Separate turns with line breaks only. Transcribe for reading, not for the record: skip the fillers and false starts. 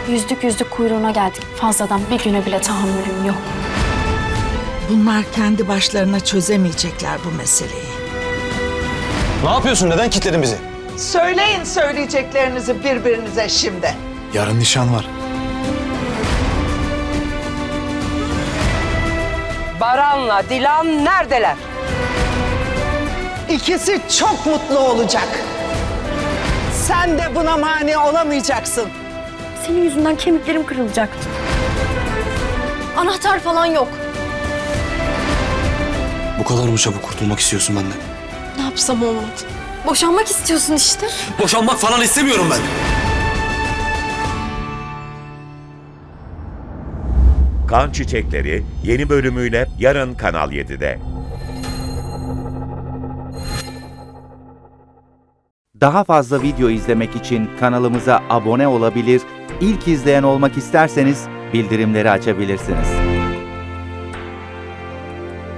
Yüzdük yüzdük kuyruğuna geldik. Fazladan bir güne bile tahammülüm yok.
Bunlar kendi başlarına çözemeyecekler bu meseleyi.
Ne yapıyorsun? Neden kilitledin bizi?
Söyleyin söyleyeceklerinizi birbirinize şimdi.
Yarın nişan var.
Baran'la Dilan neredeler?
İkisi çok mutlu olacak. Sen de buna mani olamayacaksın.
Senin yüzünden kemiklerim kırılacaktı. Anahtar falan yok.
Bu kadar mı çabuk kurtulmak istiyorsun benden?
Ne yapsam olmadı. Boşanmak istiyorsun işte.
Boşanmak falan istemiyorum ben.
Kan Çiçekleri yeni bölümüyle yarın Kanal 7'de.
Daha fazla video izlemek için kanalımıza abone olabilir, ilk izleyen olmak isterseniz bildirimleri açabilirsiniz.